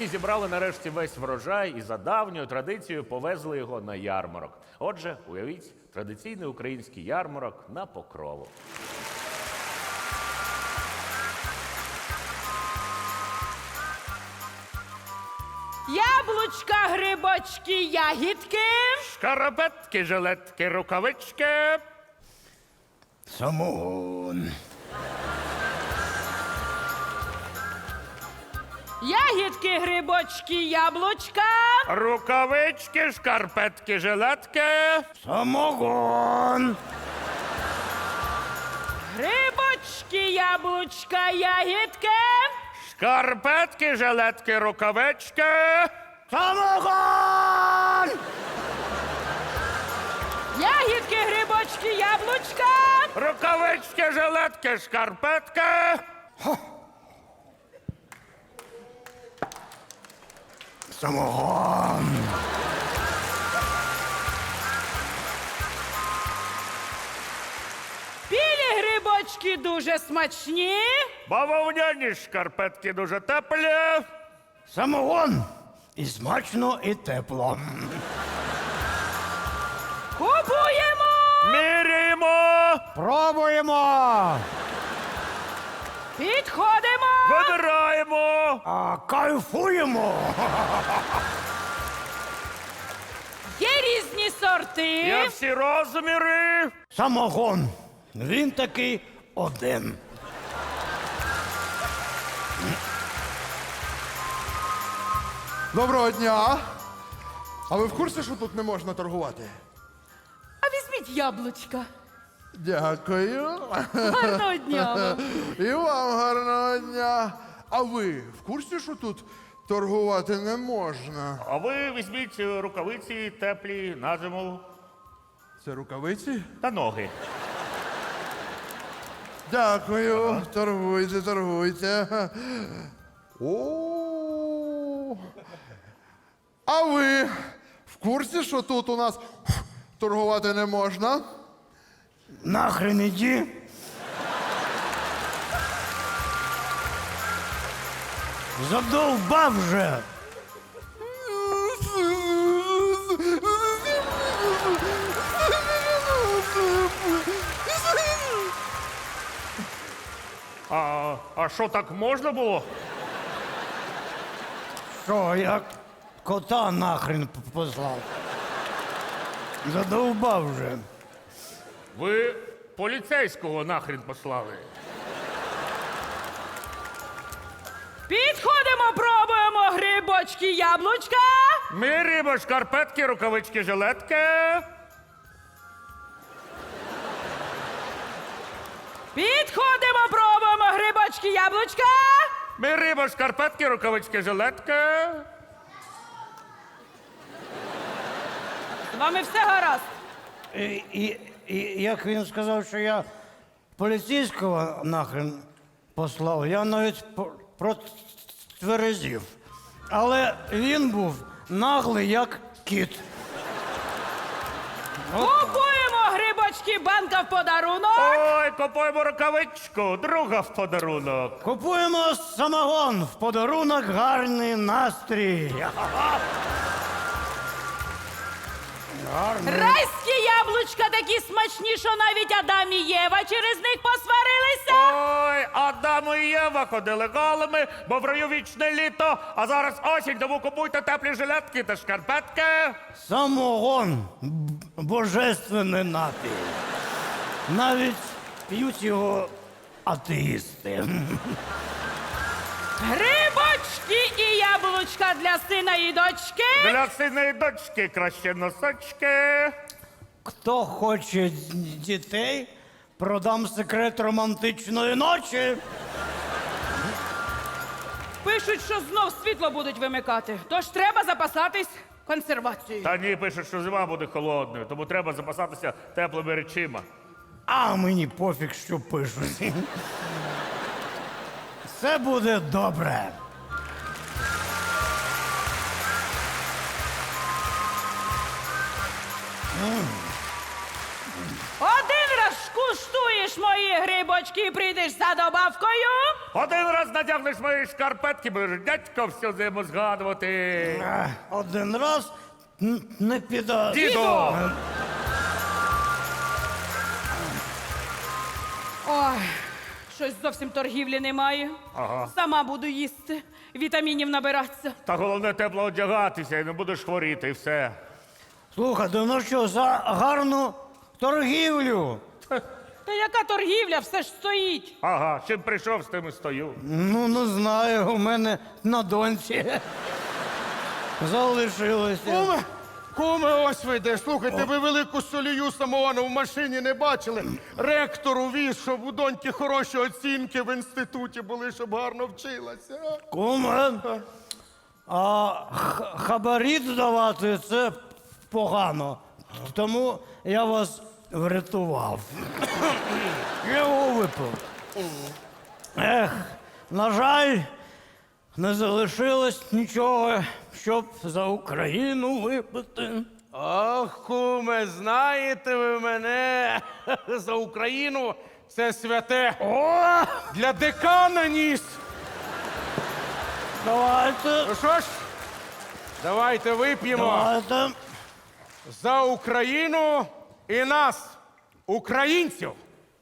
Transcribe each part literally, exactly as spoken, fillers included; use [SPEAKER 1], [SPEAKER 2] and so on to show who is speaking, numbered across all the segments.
[SPEAKER 1] Рукавицькі зібрали нарешті весь врожай і за давньою традицією повезли його на ярмарок. Отже, уявіть, традиційний український ярмарок на Покрову.
[SPEAKER 2] Яблучка, грибочки, ягідки.
[SPEAKER 1] Шкарпетки, жилетки, рукавички.
[SPEAKER 3] Самогон.
[SPEAKER 2] Ягідки, грибочки, яблучка.
[SPEAKER 1] Рукавички, шкарпетки, жилетки.
[SPEAKER 3] Самогон.
[SPEAKER 2] Грибочки, яблучка, ягідки.
[SPEAKER 1] Шкарпетки, жилетки, рукавички.
[SPEAKER 3] Самогон!
[SPEAKER 2] Ягідки, грибочки, яблучка.
[SPEAKER 1] Рукавички, жилетки, шкарпетки.
[SPEAKER 3] Самогон.
[SPEAKER 2] Білі грибочки дуже смачні.
[SPEAKER 1] Бавовняні шкарпетки дуже теплі.
[SPEAKER 3] Самогон. І смачно, і тепло.
[SPEAKER 2] Купуємо.
[SPEAKER 1] Міряємо.
[SPEAKER 3] Пробуємо.
[SPEAKER 2] Підходимо.
[SPEAKER 1] Вибираємо.
[SPEAKER 3] А кайфуємо.
[SPEAKER 2] Є різні сорти.
[SPEAKER 1] Є всі розміри.
[SPEAKER 3] Самогон. Він такий один.
[SPEAKER 4] Доброго дня! А ви в курсі, що тут не можна торгувати?
[SPEAKER 2] А візьміть яблучка.
[SPEAKER 4] Дякую.
[SPEAKER 2] Гарного дня вам.
[SPEAKER 4] І вам гарного дня. А ви в курсі, що тут торгувати не можна?
[SPEAKER 1] А ви візьміть рукавиці теплі на зиму
[SPEAKER 4] Це рукавиці?
[SPEAKER 1] та ноги.
[SPEAKER 4] Дякую. Торгуйте, торгуйте. О. А ви в курсі, що тут у нас торгувати не можна?
[SPEAKER 3] Нахрен іди. Задовбав вже.
[SPEAKER 1] А, а що, так можна було?
[SPEAKER 3] Що, я кота нахрен п- послав. Задовбав вже.
[SPEAKER 1] Ви поліцейського нахрін послали.
[SPEAKER 2] Підходимо, пробуємо грибочки, яблучка.
[SPEAKER 1] Міряємо шкарпетки, рукавички, жилетки.
[SPEAKER 2] Підходимо, пробуємо грибочки, яблучка.
[SPEAKER 1] Міряємо шкарпетки, рукавички, жилетки.
[SPEAKER 2] З вами все гаразд.
[SPEAKER 3] І, і, і як він сказав, що я поліцейського нахрен послав, я навіть по- протверезів. Але він був наглий, як кіт.
[SPEAKER 2] Купуємо грибочки, банка в подарунок.
[SPEAKER 1] Ой, купуємо рукавичку, друга в подарунок.
[SPEAKER 3] Купуємо самогон в подарунок, гарний настрій. Гарний.
[SPEAKER 2] Райські яблучка такі смачні, що навіть Адам і Єва через них посварилися.
[SPEAKER 1] Ой, Адам і Єва ходили голими, бо в раю вічне літо, а зараз осінь, тому купуйте теплі жилетки та шкарпетки.
[SPEAKER 3] Самогон б- божественний напій. Навіть п'ють його атеїсти.
[SPEAKER 2] Грибочки і яблучка для сина і дочки.
[SPEAKER 1] Для сина і дочки краще носочки.
[SPEAKER 3] Хто хоче дітей, продам секрет романтичної ночі.
[SPEAKER 2] Пишуть, що знов світло будуть вимикати, тож треба запасатись консервацією.
[SPEAKER 1] Та ні, пишуть, що зима буде холодною, тому треба запасатися теплими речима.
[SPEAKER 3] А мені пофіг, що пишуть. Все буде добре.
[SPEAKER 2] Один раз скуштуєш мої грибочки і прийдеш за добавкою?
[SPEAKER 1] Один раз надягнеш мої шкарпетки, будеш дядько всю зиму згадувати.
[SPEAKER 3] Ех, Один раз н- не піде.
[SPEAKER 1] Діду!
[SPEAKER 2] Ой, щось зовсім торгівлі немає.
[SPEAKER 1] Ага.
[SPEAKER 2] Сама буду їсти, вітамінів набиратися.
[SPEAKER 1] Та головне тепло одягатися і не будеш хворіти, і все.
[SPEAKER 3] Слухайте, ну що, за гарну торгівлю?
[SPEAKER 2] Та яка торгівля, все ж стоїть.
[SPEAKER 1] Ага, чим прийшов, з тим і стою.
[SPEAKER 3] Ну, не знаю, у мене на доньці залишилося.
[SPEAKER 5] Куме, куме, ось ви де. Слухайте, ви велику солію самогону в машині не бачили. Ректор увіз, щоб у доньки хороші оцінки в інституті були, щоб гарно вчилася.
[SPEAKER 3] Куме, а х- хабарі давати це погано. Тому я вас врятував. Я його випив. Ех, на жаль, не залишилось нічого, щоб за Україну випити.
[SPEAKER 5] Ах, куме, знаєте ви мене за Україну це святе.
[SPEAKER 3] О,
[SPEAKER 5] Для декана ніс.
[SPEAKER 3] давайте,
[SPEAKER 5] Ну що ж, давайте вип'ємо
[SPEAKER 3] давайте.
[SPEAKER 5] за Україну і нас, українців.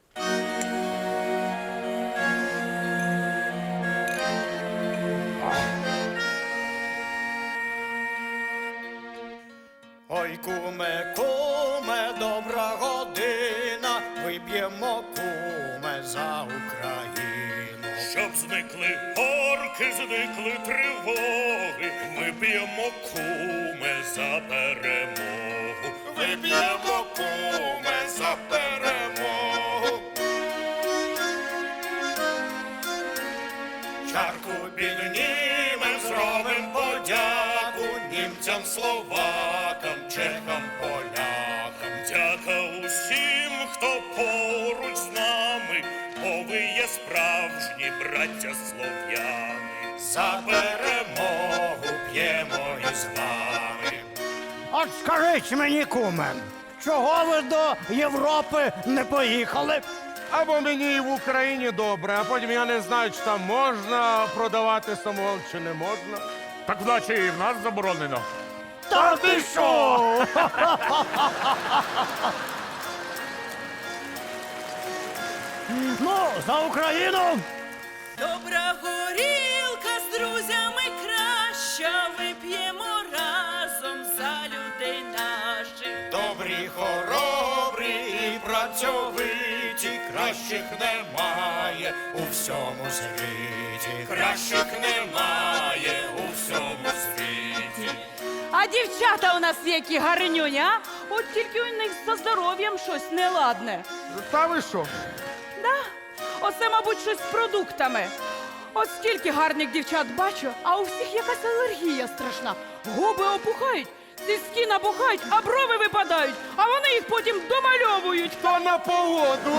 [SPEAKER 6] Ой, куме, куме, добра година, виб'ємо, куме, за Україну.
[SPEAKER 7] Щоб зникли орки, зникли тривоги, ми б'ємо куме за перемогу.
[SPEAKER 6] Виб'ємо, куме, за перемогу. Чарку піднімем, зробим подяку німцям, словакам, чехам, полякам.
[SPEAKER 7] Дяка усім, хто поруч з нами, бо ви є справжні браття слов'яни.
[SPEAKER 6] За перемогу п'ємо із вами.
[SPEAKER 3] От скажіть мені, куме, чого ви до Європи не поїхали?
[SPEAKER 5] Або мені і в Україні добре, а потім я не знаю, чи там можна продавати самогон, чи не можна.
[SPEAKER 1] Так наче і в нас заборонено.
[SPEAKER 3] Та ти що? Ну, за Україну!
[SPEAKER 2] Добра горілка з друзями краща, вип'ємо разом за людей наших.
[SPEAKER 6] Добрі, хоробрі і працьовиті, кращих немає у всьому світі. Кращих немає у всьому світі.
[SPEAKER 2] А дівчата у нас які гарнюні, а? От тільки у них за здоров'ям щось неладне.
[SPEAKER 5] Та ви що?
[SPEAKER 2] Да? Оце, мабуть, щось з продуктами. От скільки гарних дівчат бачу, а у всіх якась алергія страшна. Губи опухають, цицьки набухають, а брови випадають, а вони їх потім домальовують.
[SPEAKER 5] Та на погоду.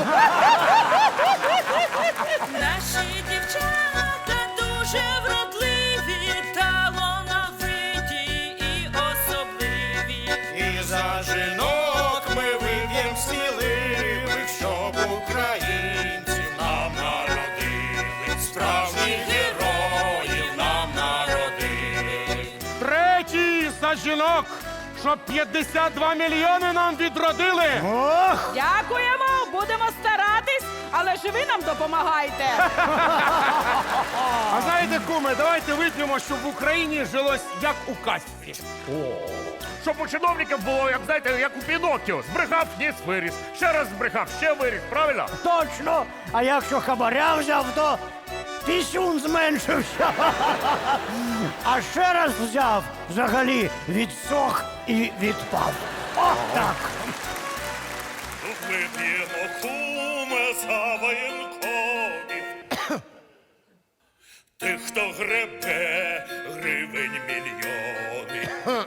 [SPEAKER 2] Наші дівчата дуже вродливі, талановиті і особливі.
[SPEAKER 6] І за жінок ми виб'єм сміливих, щоб українці нам народили. Справжніх героїв нам народили.
[SPEAKER 5] Третій за жінок, щоб п'ятдесят два мільйони нам відродили.
[SPEAKER 3] Ох!
[SPEAKER 2] Дякуємо, будемо старатись, але ж ви нам допомагайте.
[SPEAKER 5] А знаєте, куме, давайте вип'ємо, щоб в Україні жилось як у казці.
[SPEAKER 1] Щоб у чиновників було, як знаєте, як у Піноккіо. Збрехав, ніс виріс. Ще раз збрехав, ще виріс, правильно?
[SPEAKER 3] Точно! А якщо хабаря взяв, то пісюн зменшився. А ще раз взяв, взагалі відсох і відпав. О, так!
[SPEAKER 7] Вип'ємо куме за воєнкомів. Тих, хто гребе гривень мільйони.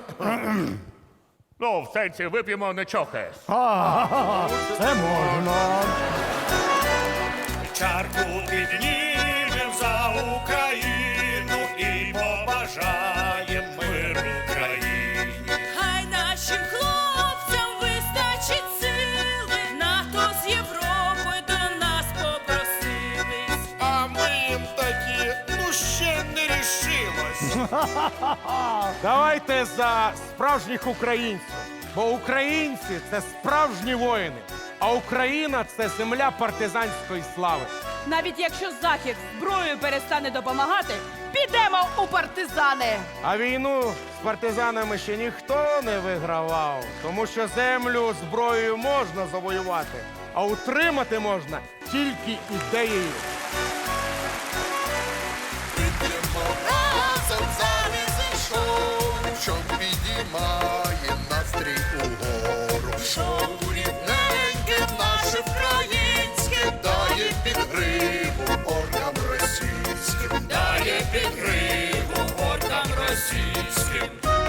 [SPEAKER 1] Ну, в сенсі, вип'ємо, не чохаєш.
[SPEAKER 3] А, це можна.
[SPEAKER 6] Чарку піднімем за Україну і побажаєм миру країні.
[SPEAKER 2] Хай нашим хлопцям вистачить сили, НАТО з Європою
[SPEAKER 5] Давайте за справжніх українців. Бо українці це справжні воїни, а Україна це земля партизанської слави.
[SPEAKER 2] Навіть якщо Захід зброєю перестане допомагати, підемо у партизани.
[SPEAKER 5] А війну з партизанами ще ніхто не вигравав, тому що землю зброєю можна завоювати, а утримати можна тільки ідеєю.
[SPEAKER 4] Разом завіси шоу, що підіймає настрій угору. Шоу рідненьке, наше українське, дає підгриву оркам російським.
[SPEAKER 6] Дає підгриву оркам російським.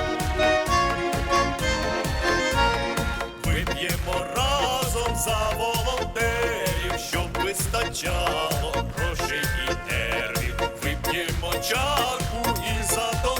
[SPEAKER 6] Вип'ємо разом за волонтерів, щоб вистачало грошей і нервів. Вип'ємо чарку і за то